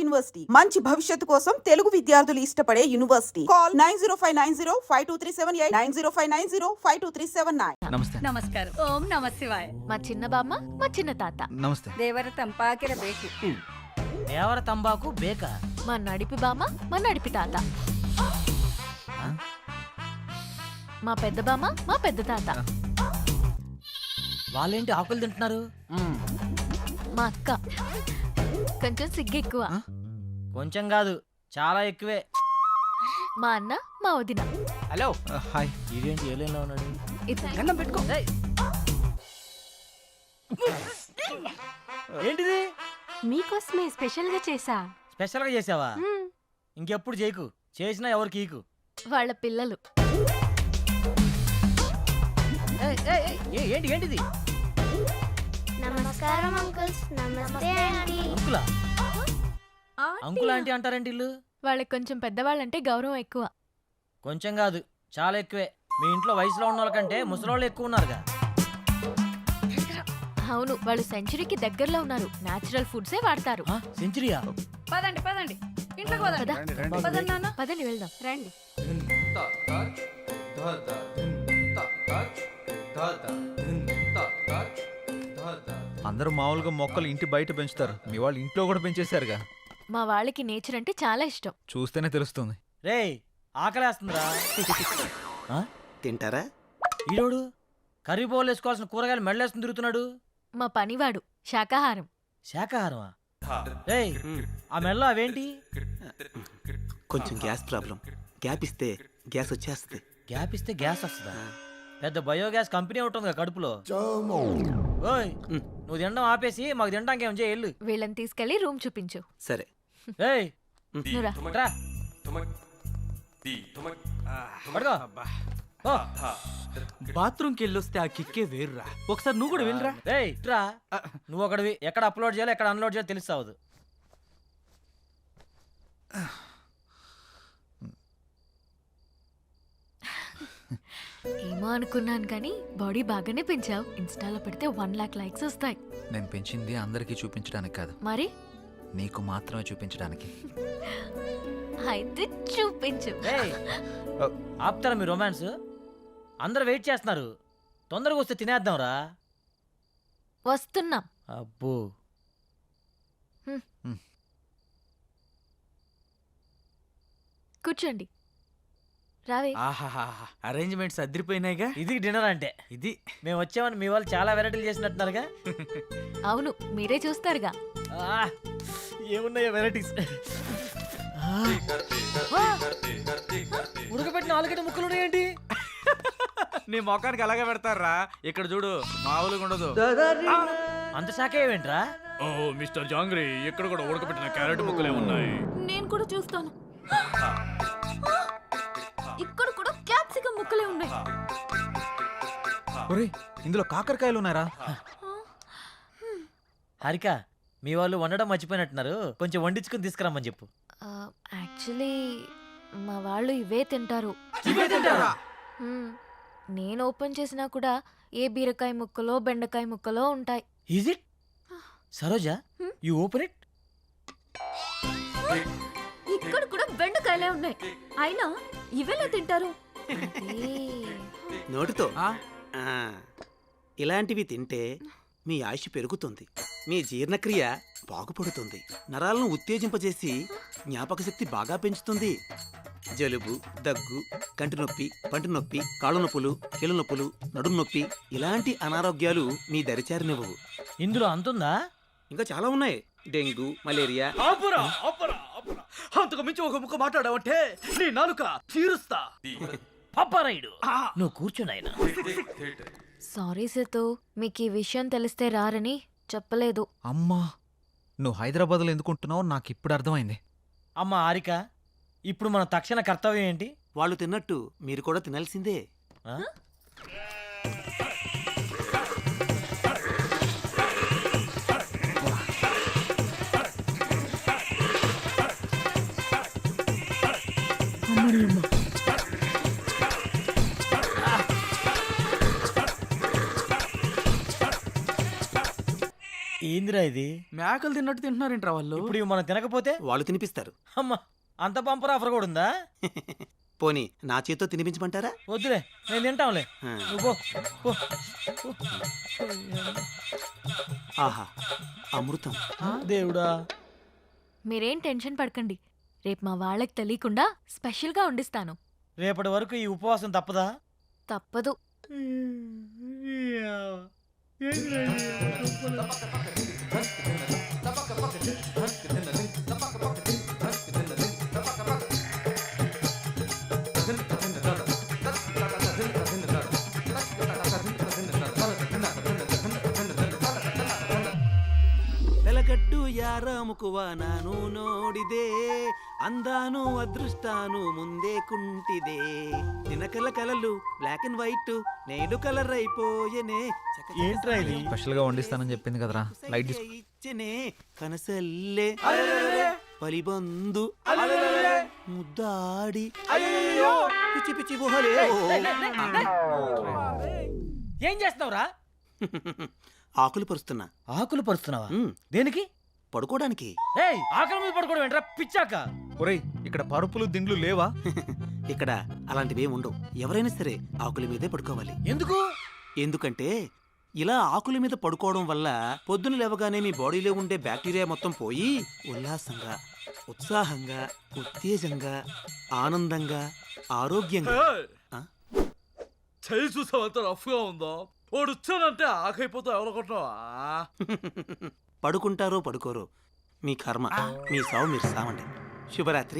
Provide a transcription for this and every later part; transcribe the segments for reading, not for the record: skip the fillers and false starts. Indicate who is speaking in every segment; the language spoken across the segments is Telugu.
Speaker 1: యూనివర్సిటీ మంచి భవిష్యత్తు కోసం తెలుగు విద్యార్థులు ఇష్టపడే యూనివర్సిటీ. కాల్ 9059052378 9059052379.
Speaker 2: నమస్తే.
Speaker 3: నమస్కారం. ఓం నమ శివాయ.
Speaker 4: మా చిన్న బామ్మ, మా చిన్న తాత.
Speaker 2: నమస్తే.
Speaker 3: దేవర తంపాకిర బేకి.
Speaker 5: దేవర తంబాకు బేక.
Speaker 4: మా నడిపి బామ్మ, మా నడిపి తాత. మా పెద్ద బామ్మ, మా పెద్ద తాత.
Speaker 5: వాళ్ళేంటి ఆకులు తింటున్నారు?
Speaker 4: మా అక్క కొంచెం సిగ్గు ఎక్కువ.
Speaker 5: కొంచెం కాదు, చాలా ఎక్కువే.
Speaker 4: మా అన్న, మా వదిన.
Speaker 5: హలో.
Speaker 2: హాయ్.
Speaker 5: ఇదేంటి ఏలేలో ఉన్నాడు?
Speaker 4: గన్నం
Speaker 5: పెట్టుకో. ఏంటిది?
Speaker 4: మీకోసమే స్పెషల్ గా చేసా.
Speaker 5: స్పెషల్ గా చేసావా? ఇంకెప్పుడు చేయకు, చేసినా ఎవరికి ఈకు.
Speaker 4: వాళ్ళ పిల్లలు.
Speaker 5: ఏంటి ఏంటిది?
Speaker 6: నమస్కారం అంకుల్స్. నమస్తే ఆంటీ.
Speaker 5: అంకులా? అంకుల్ ఆంటీ అంటారేంటి ఇల్లు?
Speaker 4: వాళ్ళకి కొంచెం పెద్దవాళ్ళంటే గౌరవం ఎక్కువ.
Speaker 5: కొంచెం కాదు, చాలా ఎక్కువే. మీ ఇంట్లో వయసులో ఉన్న వాళ్ళకంటే ముసలోళ్ళు ఎక్కువ ఉన్నారుగా.
Speaker 4: అవును, వాళ్ళు సెంచరీకి దగ్గరలో ఉన్నారు. నేచురల్ ఫుడ్సే వాడతారు.
Speaker 5: సెంచరీయా?
Speaker 3: పదండి పదండి, ఇంట్లోకి పదండి. పదండి నాన్న.
Speaker 4: పదండి వెళ్దాం.
Speaker 3: రండి.
Speaker 2: అందరూ మామూలుగా మొక్కలు ఇంటి బయట పెంచుతారు, మీ వాళ్ళు ఇంట్లో కూడా పెంచేశారుగా.
Speaker 4: మా వాళ్ళకి నేచర్ అంటే చాలా ఇష్టం.
Speaker 2: చూస్తేనే తెలుస్తుంది.
Speaker 5: రేయ్, ఆకలేస్తుందిరా.
Speaker 7: తింటారా?
Speaker 5: ఈరోడు కర్రీ బౌల్ వేసుకోవాల్సిన కూరగాయలు మెడలేసుకుని తిరుగుతున్నాడు.
Speaker 4: మా పనివాడు శాకాహారం.
Speaker 5: శాకాహారమా? రేయ్, ఆ మెడలో అవేంటి?
Speaker 7: కొంచెం గ్యాస్ ప్రాబ్లం. గ్యాప్ ఇస్తే గ్యాస్ వచ్చేస్తుంది.
Speaker 5: గ్యాప్ ఇస్తే గ్యాస్ వస్తుందా? పెద్ద బయోగ్యాస్ కంపెనీ ఉంటుంది కడుపులో. ఓయ్, నువ్వు తినడం ఆపేసి మాకు తినడానికి ఏం చేయాలి?
Speaker 4: వీళ్ళని తీసుకెళ్లి రూమ్ చూపించు.
Speaker 7: సరే.
Speaker 5: ఏయ్,
Speaker 4: నువ్వురా.
Speaker 5: రా. పడుకో. ఓ.
Speaker 8: బాత్రూమ్కి వెళ్ళొస్తే ఆ కిక్కే వేర్రా. ఒకసారి నువ్వు కూడా వెళ్ళరా.
Speaker 5: ఏయ్, రా. నువ్వు ఒకడివి. ఎక్కడ అప్లోడ్ చేయాలో ఎక్కడ అన్లోడ్ చేయాలో తెలుస్తావదు.
Speaker 4: ఏమో అనుకున్నాను కానీ బాడీ బాగానే పెంచావు. ఇన్స్టాలో పెడితే 1 lakh లైక్స్ వస్తాయి.
Speaker 2: నేను పెంచింది అందరికీ చూపించడానికి కాదు,
Speaker 4: మరి
Speaker 2: నీకు మాత్రమే చూపించడానికి.
Speaker 4: అయితే చూపించు.
Speaker 5: ఏయ్, ఆపుతారా మీ రొమాన్స్? అందరూ వెయిట్ చేస్తున్నారు. తొందరగా వస్తే తినేద్దాం రా.
Speaker 4: వస్తున్నాం.
Speaker 5: అబ్బో.
Speaker 4: కూర్చోండి. రావే.
Speaker 8: ఆహాహా, అరేంజ్మెంట్స్ అదిరిపోయినాయిగా.
Speaker 5: ఇది డిన్నర్ అంటే.
Speaker 8: ఇది
Speaker 5: మేము వచ్చామని మీ వాళ్ళు చాలా వెరైటీలు చేసినట్టున్నారుగా.
Speaker 4: అవును, మీరే చూస్తారుగా.
Speaker 5: ఏమున్నాయో వెరైటీస్. ఉడకబెట్టిన ఆలుగడ్డ ముక్కలు ఉన్నాయేంటి?
Speaker 8: నీ మొఖానికి అలాగే పెడతారా. ఇక్కడ చూడు, మామూలుగా ఉండదు.
Speaker 5: అంత శాఖ ఏమేంట్రా?
Speaker 9: ఓ మిస్టర్ జాంగ్రీ, ఇక్కడ కూడా ఉడకబెట్టిన క్యారెట్ ముక్కలే ఉన్నాయి.
Speaker 4: నేను కూడా చూస్తాను. ఇక్కడ కూడా క్యాప్సికం ముక్కలే ఉన్నాయి.
Speaker 2: ఒరేయ్, ఇందులో కాకరకాయలు ఉన్నారా?
Speaker 5: హారిక, మీ వాళ్ళు వండడం మర్చిపోయినట్టున్నారు. కొంచెం వండించుకుని తీసుకురమ్మని చెప్పు.
Speaker 4: యాక్చువల్లీ మా వాళ్ళు ఇవే తింటారు. నేను ఓపెన్ చేసినా కూడా ఏ బీరకాయ ముక్కలో బెండకాయ ముక్కలో ఉంటాయి.
Speaker 5: Is it? Saroja, you open it.
Speaker 4: ఇక్కడ కూడా బెండకాయలే ఉన్నాయి, అయినా ఇవేలా తింటారు?
Speaker 7: నోటితో. ఇలాంటివి తింటే మీ ఆయుష్ పెరుగుతుంది, మీ జీర్ణక్రియ బాగుపడుతుంది, నరాలను ఉత్తేజింపజేసి జ్ఞాపక శక్తి బాగా పెంచుతుంది. జలుబు, దగ్గు, కంటి నొప్పి, పంటి నొప్పి, కాళ్ళు నొప్పులు, కీళ్ళ నొప్పులు, నడుము నొప్పి ఇలాంటి అనారోగ్యాలు మీ దరిచారినివ్వవు.
Speaker 5: ఇందులో అంతుందా?
Speaker 7: ఇంకా చాలా ఉన్నాయి. Dengue, malaria.
Speaker 8: అంతకు మించి ఒక ముక్క మాట్లాడావంటే నీ నాలుక తీరుస్తా.
Speaker 5: పాపారాయుడు, నువ్వు కూర్చున్నాయన.
Speaker 4: సారీ సేతు, మీకు ఈ విషయం తెలిస్తే రారని చెప్పలేదు.
Speaker 2: అమ్మా, నువ్వు హైదరాబాద్లో ఎందుకుంటున్నావు నాకు ఇప్పుడు అర్థమైంది.
Speaker 5: అమ్మ హారిక, ఇప్పుడు మన తక్షణ కర్తవ్యం ఏంటి?
Speaker 7: వాళ్ళు తిన్నట్టు మీరు కూడా తినాల్సిందే.
Speaker 5: ఏందిరా ఇది?
Speaker 8: మేకలు తిన్నట్టు తింటున్నారేంట్రా వాళ్ళు?
Speaker 5: ఇప్పుడు ఇవి మనం తినకపోతే
Speaker 7: వాళ్ళు తినిపిస్తారు.
Speaker 5: అమ్మా అంత బంపర్ ఆఫర్ కూడా ఉందా?
Speaker 7: పోనీ నా చేత్తో తినిపించమంటారా?
Speaker 5: వద్దులే, నేను తింటాంలే.
Speaker 7: ఆ.
Speaker 5: నువ్వు పో, పో.
Speaker 7: ఆహా, అమృతం.
Speaker 5: దేవుడా.
Speaker 4: మీరేం టెన్షన్ పడకండి, రేపు మా వాళ్ళకి తెలియకుండా స్పెషల్గా వండిస్తాను.
Speaker 5: రేపటి వరకు ఈ ఉపవాసం తప్పదా?
Speaker 4: తప్పదు.
Speaker 7: వెలగట్టు యారాముకువ ನಾನು ನೋಡಿದೆ అందాను అదృష్టాను ముందే కుంటిదే దినకల కలలు బ్లాక్ అండ్ వైట్ నేడు కలర్ అయిపోయెనే
Speaker 5: ఏంట్రా ఇది?
Speaker 2: స్పెషల్ గా వండిస్తానని చెప్పింది కదరా, లైట్ తీసుకో.
Speaker 7: ఇచ్చనే కనసల్లే పలిబందు ముద్దాడి పిచ్చి పిచ్చి గుహలే
Speaker 5: ఏం చేస్తున్నావురా?
Speaker 7: ఆకులు పరుస్తున్నా.
Speaker 5: ఆకులు పరుస్తున్నావా?
Speaker 7: ఉమ్,
Speaker 5: దేనికి?
Speaker 7: పడుకోవడానికి.
Speaker 5: ఏయ్, ఆకలి మీద పడుకోవడం ఏంట్రా పిచ్చాక?
Speaker 2: ఒరేయ్, ఇక్కడ పరుపులు దిండ్లు లేవా?
Speaker 7: ఇక్కడ అలాంటివేం ఉండవు. ఎవరైనా సరే ఆకుల మీదే పడుకోవాలి.
Speaker 5: ఎందుకు?
Speaker 7: ఎందుకంటే ఇలా ఆకుల మీద పడుకోవడం వల్ల పొద్దున లేవగానే మీ బాడీలో ఉండే బ్యాక్టీరియా మొత్తం పోయి ఉల్లాసంగా, ఉత్సాహంగా, ఉత్తేజంగా, ఆనందంగా, ఆరోగ్యంగా. ఆ?
Speaker 9: చేయి చూసావు ఎంత రఫ్ గా ఉందో. వాడు వచ్చానంటే ఆకైపోతావు ఎవరనుకుంటున్నావా?
Speaker 7: పడుకుంటారో పడుకోరో మీ కర్మ, మీ సావు మీరు సావండి. శుభరాత్రి.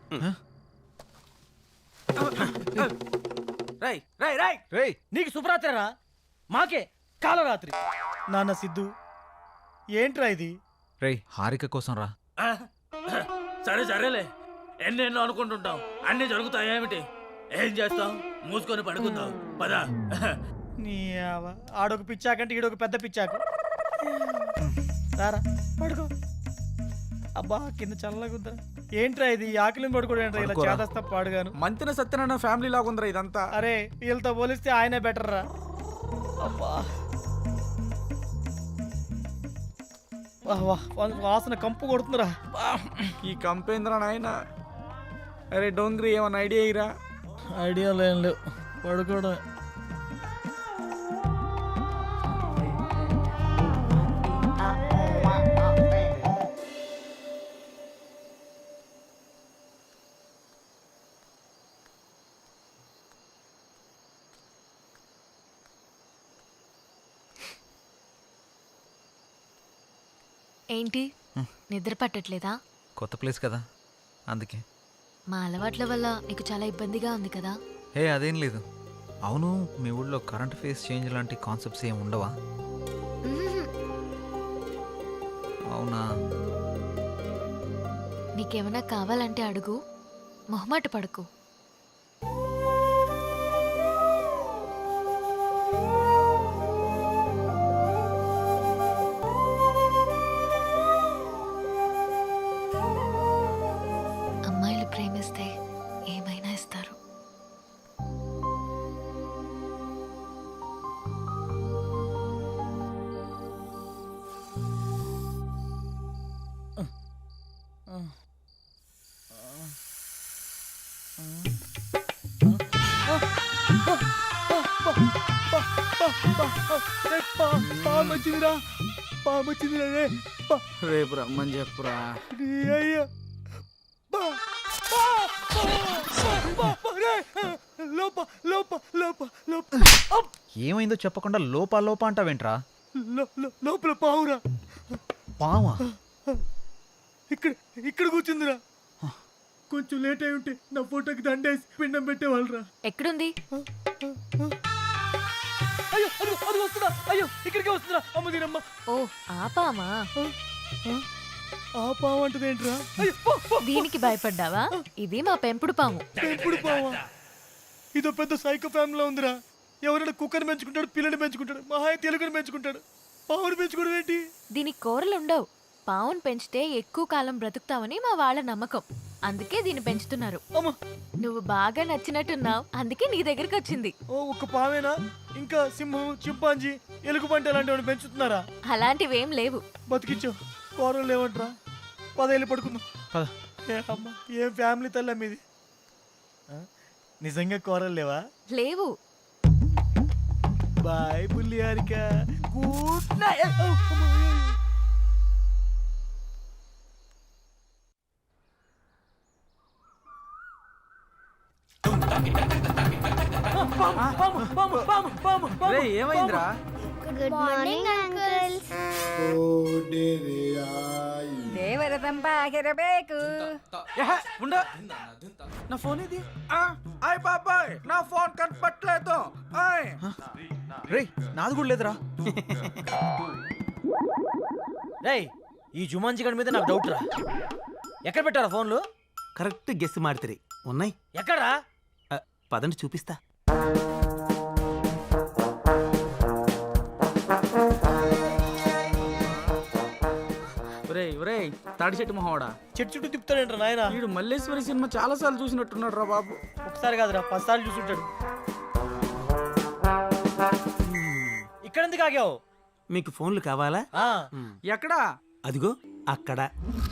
Speaker 8: రై రై రై
Speaker 2: రేయ్,
Speaker 5: నీకు శుభరాత్రిరా, మాకే కాలరాత్రి. నాన్న సిద్ధు, ఏంట్రా ఇది?
Speaker 2: రేయ్, హారిక కోసం రా.
Speaker 9: సరే సరేలే, ఎన్నెన్నో అనుకుంటుంటాం, అన్ని జరుగుతాయేమిటి? ఏం చేస్తాం? మూసుకొని పడుకుందాం పదా.
Speaker 5: నీ ఆడొక పిచ్చాకంటే ఈడొక పెద్ద పిచ్చాకు. రారా పడుకో. అబ్బా కింద చల్లగుందా. ఏంట్రా ఇది? ఆకలిని పడుకోవడం ఏంట్రా ఇలా
Speaker 2: పడుకోరా.
Speaker 5: చేదస్తా పాడుగాను.
Speaker 8: మంతిన సత్యనారాయణ ఫ్యామిలీ లాగా ఉందిరా ఇదంతా.
Speaker 5: అరే వీళ్ళతో పోలిస్తే ఆయనే బెటర్ రా. అబ్బా వాసన కంపు కొడుతుందిరా.
Speaker 8: ఈ కంపేంద్ర నాయన. అరే డోంగ్రీ, ఏమన్నా ఐడియా ఇరా?
Speaker 5: ఐడియా లేని లేవు, పడుకోవడం.
Speaker 4: ఏంటి, నిద్ర పట్టట్లేదా?
Speaker 2: కొత్త ప్లేస్ కదా, అందుకే.
Speaker 4: మా అలవాట్ల వల్ల నీకు చాలా ఇబ్బందిగా ఉంది కదా?
Speaker 2: హే, అదేం లేదు. అవును, మీ ఊళ్ళో కరెంట్ ఫేస్ చేంజ్ లాంటి కాన్సెప్ట్స్ ఏమి ఉండవా?
Speaker 4: మ్మ్.
Speaker 2: అవునా?
Speaker 4: నీకేమైనా కావాలంటే అడుగు, మొహమాట పడకు. అమ్మాయిలు ప్రేమిస్తే ఏమైనా ఇస్తారు.
Speaker 5: పామొచ్చిందిరా, పామొచ్చిందిరా రే.
Speaker 8: రేపు రమ్మని చెప్పురా.
Speaker 5: అయ్యా లోప లోప లోప లోప
Speaker 2: ఏమైందో చెప్పకుండా లోపా లోపా అంటావేంట్రా?
Speaker 5: లోపల పావురా.
Speaker 2: పావా?
Speaker 5: ఇక్కడ ఇక్కడ కూర్చుందిరా. కొంచెం లేట్ అయి ఉంటే నా ఫోటోకి దండేసి పిండం పెట్టేవాళ్ళరా. ఎక్కడుంది? అయ్యో అది అది వస్తుందా? అయ్యో ఇక్కడికే వస్తుందా? అమ్మ దీనమ్మ. ఓ ఆ పామా? ఆ పాము అంటది ఏంట్రా? దీనికి భయపడ్డావా? ఇది మా పెంపుడు పాము. పెంపుడు పామా? ఇదో పెద్ద సైకో ఫ్యామిలీలో ఉందిరా. ఎవరైనా కుక్కని పెంచుకుంటాడు, పిల్లని పెంచుకుంటాడు, మహాయ తెలుగుని పెంచుకుంటాడు. పావుని పెంచుకోవడం ఏంటి? దీనికి కూరలు ఉండవు. పావును పెంచితే ఎక్కువ కాలం బ్రతుకుతామని మా వాళ్ళ నమ్మకం.
Speaker 4: అందుకే దీన్ని పెంచుతున్నారు.
Speaker 5: అమ్మ.
Speaker 4: నువ్వు బాగా నచ్చినట్టున్నావు, అందుకే నీ దగ్గరికి వచ్చింది.
Speaker 5: ఓ ఒక్క పావేనా? ఇంకా సింహం, చింపాంజీ, ఎలుగుబంటి అలాంటివి పెంచుతున్నారా?
Speaker 4: అలాంటివేం లేవు.
Speaker 5: బతికించు. కూరలు లేవంటరా? 10 ఏళ్ళు పడుకుందాం.
Speaker 2: పద.
Speaker 5: ఏ అమ్మ, ఏం ఫ్యామిలీ తల్లి మీది. నిజంగా కూరలు లేవా?
Speaker 4: లేవు.
Speaker 5: బాయ్ బుల్లి హారిక. Good night.
Speaker 8: రే ఏమైందిరా?
Speaker 6: Good morning uncles.
Speaker 3: ದೇವರ ತಂಪಾಗಿರಬೇಕು.
Speaker 8: ఉండ నా ఫోన్ ఇది. అయ్ బాబాయ్ నా ఫోన్ కనపట్లేదు.
Speaker 2: రే నాది కూడా లేదురా.
Speaker 5: రేయ్, ఈ జుమాన్జీ గడి మీద నాకు డౌట్ రా. ఎక్కడ పెట్టారా ఫోన్లు?
Speaker 7: కరెక్ట్ గెస్ మాడితే ఉన్నాయి.
Speaker 5: ఎక్కడా?
Speaker 7: పదండి చూపిస్తా.
Speaker 8: ఒరేయ్ ఒరేయ్ తాడి చెట్టు మొహవాడా,
Speaker 5: చెట్టు చుట్టూ తిప్పుతాడేంట్రా నాయన?
Speaker 8: వీడు మల్లేశ్వరి సినిమా చాలా సార్లు చూసినట్టున్నాడు రా బాబు.
Speaker 5: ఒకసారి కాదురా, 10 సార్లు చూసుంటాడు. ఇక్కడ ఎందుకు ఆగావు?
Speaker 7: మీకు ఫోన్లు కావాలా?
Speaker 5: ఆ,
Speaker 8: ఎక్కడా?
Speaker 7: అదిగో అక్కడ.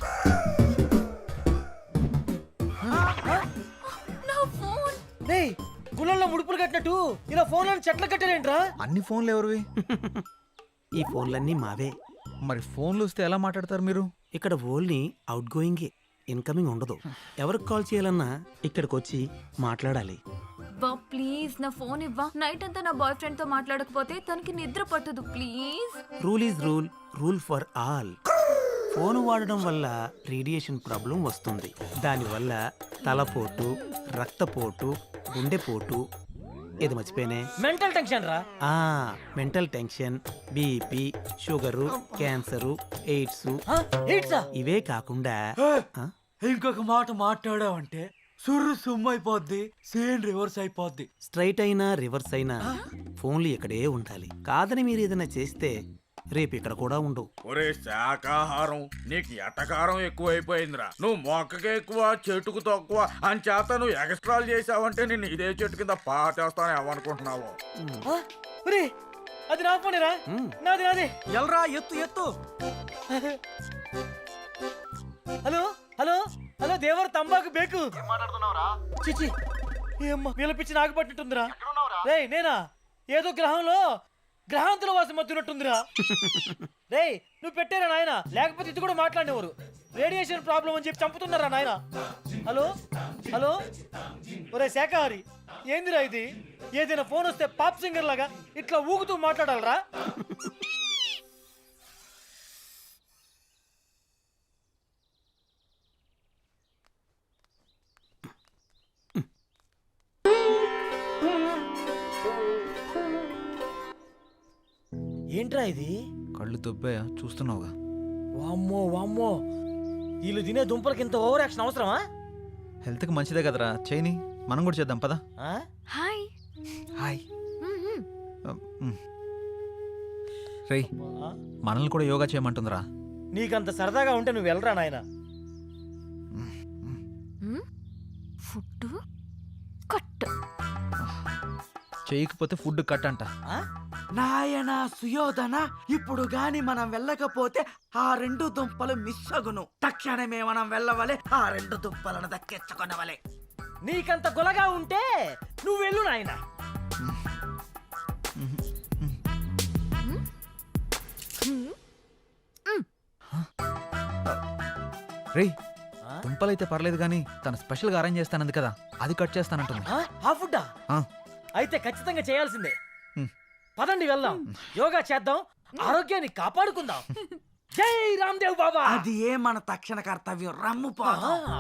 Speaker 5: రేయ్, గుళ్ళల్లో ముడుపులు కట్టినట్టు ఇలా ఫోన్లను చెట్లు కట్టారేంట్రా?
Speaker 2: అన్ని ఫోన్లు ఎవరివి?
Speaker 7: ఈ ఫోన్లన్నీ మావే.
Speaker 2: మరి ఫోన్లు వస్తే ఎలా మాట్లాడతారు మీరు?
Speaker 7: ఇక్కడ ఓన్లీ అవుట్ గోయింగే, ఇన్కమింగ్ ఉండదు. ఎవరికి కాల్ చేయాలన్నా ఇక్కడికి వచ్చి మాట్లాడాలి.
Speaker 4: బా ప్లీజ్ నా ఫోన్ ఇవ్వా. నైట్ అంతా నా బాయ్ ఫ్రెండ్ తో మాట్లాడకపోతే తనకి నిద్ర పట్టదు. Please.
Speaker 7: Rule is rule, rule for all. Phone వాడడం వల్ల రేడియేషన్ ప్రాబ్లం వస్తుంది. దానివల్ల తలపోటు, రక్తపోటు, గుండెపోటు, ఇది మర్చిపోయినే,
Speaker 5: మెంటల్ టెన్షన్ రా.
Speaker 7: Mental tension, BP, sugar, cancer, AIDS,
Speaker 5: ఏంట్రా?
Speaker 7: ఇవే కాకుండా
Speaker 9: ఇంకొక మాట మాట్లాడావంటే సుర్రు సుమ్ము అయిపోద్ది, సేమ్ రివర్స్ అయిపోద్ది.
Speaker 7: స్ట్రైట్ అయినా రివర్స్ అయినా ఫోన్లు ఇక్కడే ఉండాలి. కాదని మీరు ఏదైనా చేస్తే రేపు ఇక్కడ కూడా ఉండవు.
Speaker 9: ఒరే శాకాహారం, నీకు ఎటకారం ఎక్కువైపోయిందిరా. నువ్వు మొక్కకి ఎక్కువ చెట్టుకు తక్కువ అని చేత నువ్వు ఎక్స్ట్రాలు చేసావంటే నేను ఇదే చెట్టు కింద పాటేస్తాను ఏమనుకుంటున్నావు?
Speaker 5: ఒరే, అది నా ఫోనేరా? నాది నాది.
Speaker 8: ఎల్రా ఎత్తు ఎత్తు.
Speaker 5: హలో హలో హలో, దేవర తంబాకు బేకు. చిచి, ఏమ్మా వీళ్ళ పిచ్చి నాకు పట్టినట్టుందిరా. రేయ్ నేనా? ఏదో గ్రహంలో గ్రహాంతుల వాసం మత్తున్నట్టుందిరా. రేయ్ నువ్వు పెట్టారా నాయన, లేకపోతే ఇది కూడా మాట్లాడేవారు. రేడియేషన్ ప్రాబ్లం అని చెప్పి చంపుతున్నారా నాయన. హలో హలో, ఒరే శాఖాహారి, ఏందిరా ఇది? ఏదైనా ఫోన్ వస్తే పాప్ సింగర్ లాగా ఇట్లా ఊగుతూ మాట్లాడాలరా? ఏంట్రా ఇది?
Speaker 2: కళ్ళు దొబ్బాయా? చూస్తున్నావుగా.
Speaker 5: వామ్మో వామ్మో, వీళ్ళు తినే దుంపలకి ఇంత ఓవర్ యాక్షన్ అవసరమా?
Speaker 2: హెల్త్కి మంచిదే కదరా, చేయని. మనం కూడా చేద్దాం పదా.
Speaker 5: ఆ?
Speaker 4: హాయ్.
Speaker 2: హాయ్. రేయ్, మనల్ని కూడా యోగా చేయమంటుందిరా.
Speaker 5: నీకంత సరదాగా ఉంటే నువ్వు వెళ్ళరా నాయన.
Speaker 4: Food cut.
Speaker 2: చేయకపోతే ఫుడ్ కట్ అంట.
Speaker 8: నాయన సుయోధన, ఇప్పుడు గాని మనం వెళ్ళకపోతే ఆ 2 దుంపలు మిస్ అగును. తక్షణమే మనం వెళ్ళవలే, ఆ 2 దుంపలను దక్కించుకొనవలే.
Speaker 5: నీకంత గొలగా ఉంటే నువ్వు వెళ్ళు నాయన.
Speaker 2: రేయ్, దుంపలైతే పర్లేదు కానీ తను స్పెషల్గా అరేంజ్ చేస్తానంది కదా, అది కట్ చేస్తానంటుంది.
Speaker 5: ఆ ఫుడ్డా?
Speaker 2: ఆ.
Speaker 5: అయితే ఖచ్చితంగా చేయాల్సిందే.
Speaker 2: హ్మ్.
Speaker 5: పదండి వెళ్దాం, యోగా చేద్దాం, ఆరోగ్యాన్ని కాపాడుకుందాం. జై రామ్దేవ్ బాబా.
Speaker 8: అది ఏ మన తక్షణ కర్తవ్యం. రమ్ము పో.
Speaker 5: ఆ.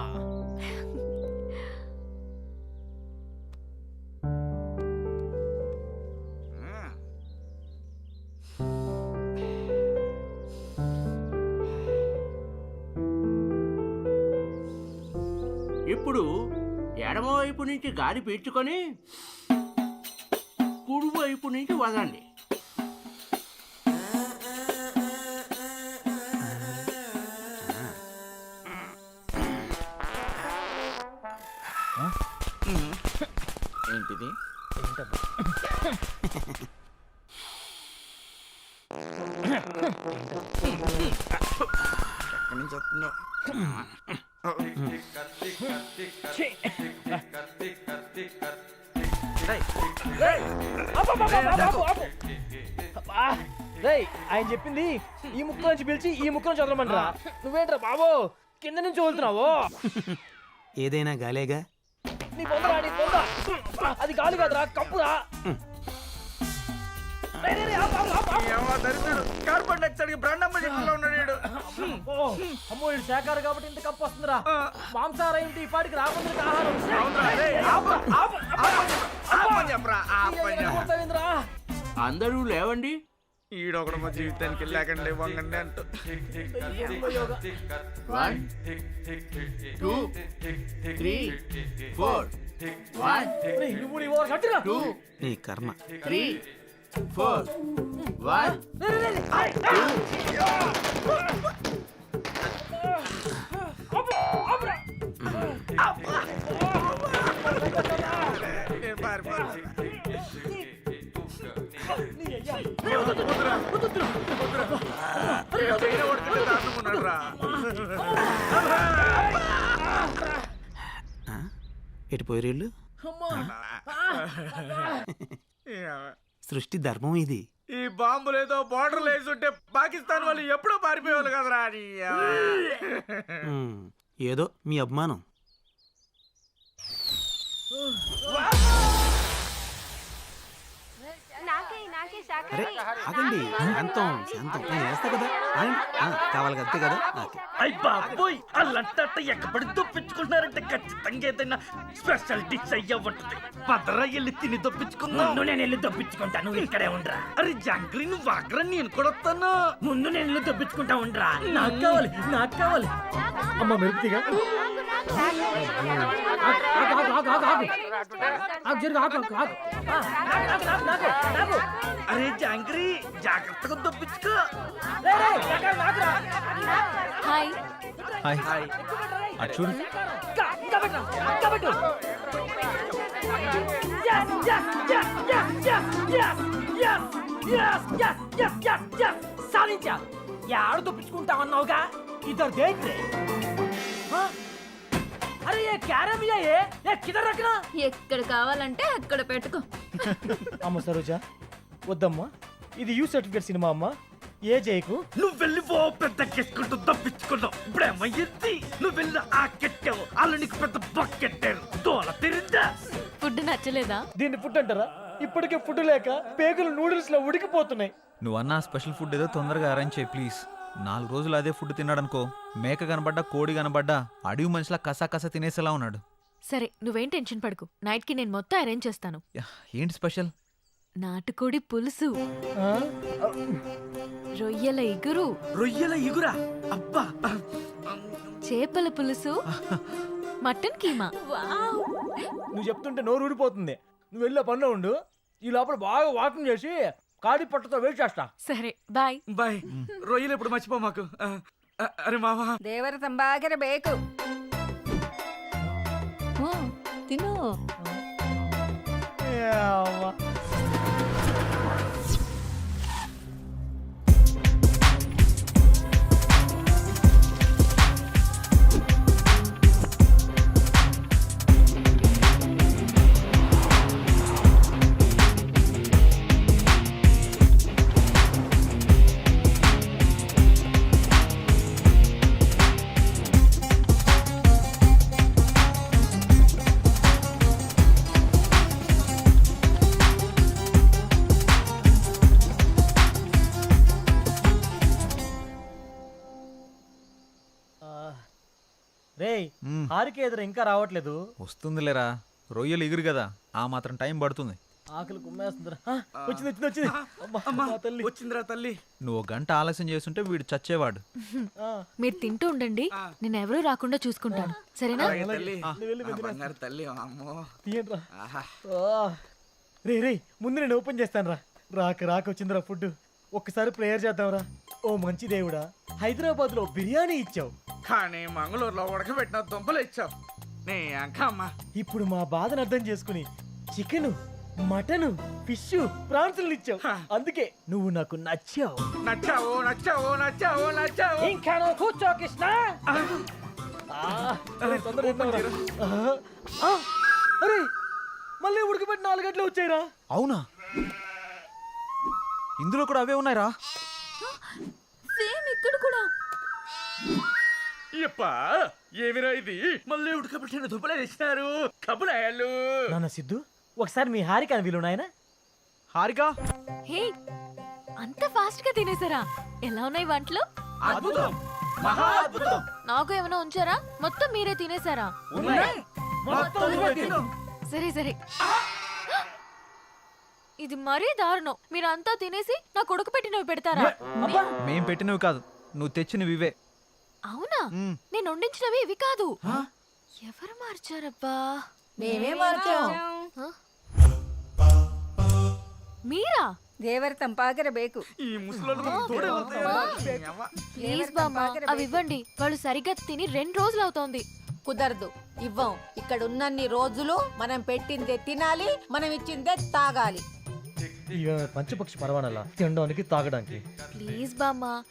Speaker 10: ఇప్పుడు ఎడమవైపు నుంచి గాలి పీల్చుకొని కుడివైపు నుంచి వదండి.
Speaker 9: ఏంటిది? ఎక్కడి నుంచి వస్తుందో?
Speaker 5: ఆయన చెప్పింది ఈ ముక్క నుంచి పిలిచి ఈ ముక్క నుంచి వదలమంటారా? నువ్వేంట్రా బాబు కింద నుంచి వదులుతున్నావు?
Speaker 7: ఏదైనా గాలేగా.
Speaker 5: నీ పొందరా నీ పొంద. అది గాలి కాదురా కప్పురా.
Speaker 9: కార్బన్ డైఆక్సైడ్ బ్రాండమ్మ చెట్టులో ఉన్నాడు వీడు.
Speaker 5: అమ్మో ఇది శాఖాహారం కాబట్టి ఇంత కప్పు వస్తుందిరా. మాంసాహారం ఏంటి ఈ పాటికి రాకుండా ఆహారం.
Speaker 10: అందరూ లేవండి.
Speaker 9: ఈడొకడు మా జీవితానికి లేకండి వంగండి అంటూ.
Speaker 10: 1 2 3 4 1
Speaker 5: నువ్వు నీ ఓవర్ కట్టిరా.
Speaker 10: 2
Speaker 7: నీ కర్మ.
Speaker 10: 3 4 1
Speaker 7: ఎటు పోయేళ్ళు? సృష్టి ధర్మం ఇది.
Speaker 9: ఈ బాంబులు ఏదో బార్డర్ వేసి ఉంటే పాకిస్తాన్ వాళ్ళు ఎప్పుడో పారిపోయేవాళ్ళు కదరా.
Speaker 7: ఏదో మీ అభిమానం. అరే ఆగండి, శాంతం శాంతం. నేను వేస్తా కదా. కావాలి అంతే కదా.
Speaker 8: అయ్ బాబోయ్ అల్లంట ఎక్కబడి దొప్పించుకుంటున్నారంటే ఖచ్చితంగా ఏదైనా స్పెషల్ డిష్ అయ్యా ఉంటుంది. పదరా వెళ్ళి తిని దొప్పించుకుందాం. ముందు నేను వెళ్ళి దొప్పించుకుంటా, నువ్వు ఇక్కడే ఉండరా. అరే జాంగ్రీ నువ్వు వాగ్రా, నేను కూడా వస్తాను. ముందు నేను వెళ్ళి దొప్పించుకుంటా ఉండరా. నాకు కావాలి నాకు కావాలి.
Speaker 5: అమ్మ మెరుపుతిగా
Speaker 8: అరే జాంగ్రీ జాగ్రత్తగా దొప్పించుకో.
Speaker 4: హాయ్.
Speaker 2: హాయ్. అటు చూడు.
Speaker 5: సాధించా. యాడ దొప్పించుకుంటా అన్నావుగా. ఇద్దరు దేంట్రే. అరే ఏ క్యారమ్ ఏ కిదర్ రఖనా.
Speaker 4: ఎక్కడ కావాలంటే అక్కడ పెట్టుకో.
Speaker 5: అమ్మ సరోజా వద్దమ్మా, ఇది యూ సర్టిఫికేట్ సినిమా అమ్మా. ఏ జైకు
Speaker 8: నువ్వు వెళ్ళి ఓ పెద్ద కెట్టుకుంటూ దప్పించుకున్నావు. ఇప్పుడేమయ్యింది? నువ్వు వెళ్ళి ఆ కెట్టావు, వాళ్ళు నీకు పెద్ద బకెట్టారు. దోల తిరిందా?
Speaker 4: ఫుడ్ నచ్చలేదా?
Speaker 5: దీన్ని ఫుడ్ అంటారా? ఇప్పటికే ఫుడ్ లేక పేగులు నూడిల్స్ లో ఉడికిపోతున్నాయి.
Speaker 2: నువ్వు అన్న స్పెషల్ ఫుడ్ ఏదో తొందరగా అరేంజ్ చేయి ప్లీజ్. 4 రోజులు అదే ఫుడ్ తిన్నాడనుకో, మేక కనబడ్డా కోడి కనబడ్డా అడవి మనిషిలా కసా తినేసేలా ఉన్నాడు.
Speaker 4: సరే నువ్వేం టెన్షన్ పడకు, నైట్ కి నేను మొత్తం అరేంజ్ చేస్తాను.
Speaker 2: ఏంటి స్పెషల్?
Speaker 4: నాటుకోడి పులుసు,
Speaker 5: ఆ?
Speaker 4: రొయ్యల ఇగురు,
Speaker 8: రొయ్యల ఇగురా? అబ్బా.
Speaker 4: చేపల పులుసు, మటన్ కీమా.
Speaker 5: నువ్వు చెప్తుంటే నోరు ఊడిపోతుంది. నువ్వు వెళ్ళే పనిలో ఉండు, ఈ లోపల బాగా వాకింగ్ చేసి కాడి పట్టతో వెయిట్ చేస్తా.
Speaker 4: సరే బాయ్.
Speaker 8: బాయ్. రొయ్యలు ఎప్పుడు మర్చిపో మాకు. అరే మామా
Speaker 3: ದೇವರ ತಂಬಾಗಿರಬೇಕು. ತಿನ್ನು.
Speaker 5: రేయ్
Speaker 2: మ్మ్.
Speaker 5: హారిక ఎదురు ఇంకా రావట్లేదు.
Speaker 2: వస్తుందిలేరా, రొయ్యలు ఎగురు కదా, ఆ మాత్రం టైం పడుతుంది.
Speaker 5: ఆకలి కుమ్మేస్తుందిరా. వచ్చింది వచ్చింది వచ్చింది. అబ్బా,
Speaker 8: అమ్మా
Speaker 5: మా తల్లి.
Speaker 8: వచ్చిందిరా తల్లి.
Speaker 2: నువ్వు 1 గంట ఆలస్యం చేస్తుంటే వీడు చచ్చేవాడు.
Speaker 5: ఆ,
Speaker 4: మీరు తింటూ ఉండండి, నేను ఎవరూ రాకుండా చూసుకుంటాను. సరేనా?
Speaker 8: అలాగే తల్లి.
Speaker 5: నువ్వు వెళ్ళి
Speaker 8: ఆ
Speaker 5: వెతికి రా.
Speaker 8: బంగారు తల్లి అమ్మో.
Speaker 5: తీయండిరా.
Speaker 8: ఆహా.
Speaker 5: రే రే ముందు నేను ఓపెన్ చేస్తాను రా. రాక వచ్చిందిరా ఫుడ్. ఒక్కసారి ప్రేయర్ చేద్దాంరా. ఓ మంచి దేవుడా, హైదరాబాద్ లో బిర్యానీ ఇచ్చావు,
Speaker 9: కానీ మంగళూరులో ఉడకబెట్టిన దుంపలు ఇచ్చావు. నీ అంకమ్మ
Speaker 5: ఇప్పుడు మా బాధను అర్థం చేసుకుని చికెన్ మటన్ ఫిష్ ప్రాన్సులు ఇచ్చావు అందుకే నువ్వు నాకు నచ్చావు.
Speaker 9: నచ్చావు నచ్చావు నచ్చావు నచ్చావు.
Speaker 5: ఇంకా నువ్వు కూర్చో కృష్ణ. తొందరగా తిన్నావురా. అరే మళ్ళీ ఉడికిపెట్టి 4 గంటలు వచ్చాయిరా.
Speaker 2: అవునా? ఇందులో కూడా అవే ఉన్నాయిరా.
Speaker 4: సేమ్ ఇక్కడ కూడా.
Speaker 8: ఎప్పా ఏమిరా ఇది? మళ్ళీ ఉడకబెట్టిన దుబ్బలే తెచ్చినారు కబులాయాలు.
Speaker 5: నాన్న సిద్ధు ఒకసారి మీ హారిక వీలు నాయన.
Speaker 2: హారిక
Speaker 4: హే అంత ఫాస్ట్ గా తినేసారా? ఎలా ఉన్నాయి వంటలు?
Speaker 8: అద్భుతం, మహా అద్భుతం.
Speaker 4: నాకు ఏమైనా ఉంచారా? మొత్తం మీరే తినేసారా? సరే సరే. ఇది మరీ దారుణం. మీరంతా తినేసి నా కొడుకు పెట్టినవి పెడతారా?
Speaker 2: మేం పెట్టినవి కాదు, నువ్వు తెచ్చినవి ఇవే.
Speaker 4: అవునా? నేను వండించినవి ఇవి కాదు. ఎవరు మార్చారబ్బా?
Speaker 3: మేమే మార్చాం.
Speaker 4: మీరా?
Speaker 3: ದೇವರ ತಂಪಾಗಿರಬೇಕು.
Speaker 8: ఈ ముసలోళ్ళకు తోడే
Speaker 4: ప్లీజ్ బామ్మ అవి ఇవ్వండి. వాళ్ళు సరిగ్గా తిని 2 రోజులు అవుతోంది.
Speaker 3: కుదరదు, ఇవ్వం. ఇక్కడ ఉన్నన్ని రోజులు మనం పెట్టిందే తినాలి, మనం ఇచ్చిందే తాగాలి.
Speaker 5: ఇక పంచపక్షి పరవానలా తినడానికి తాగడానికి.
Speaker 4: ప్లీజ్ బామ్మ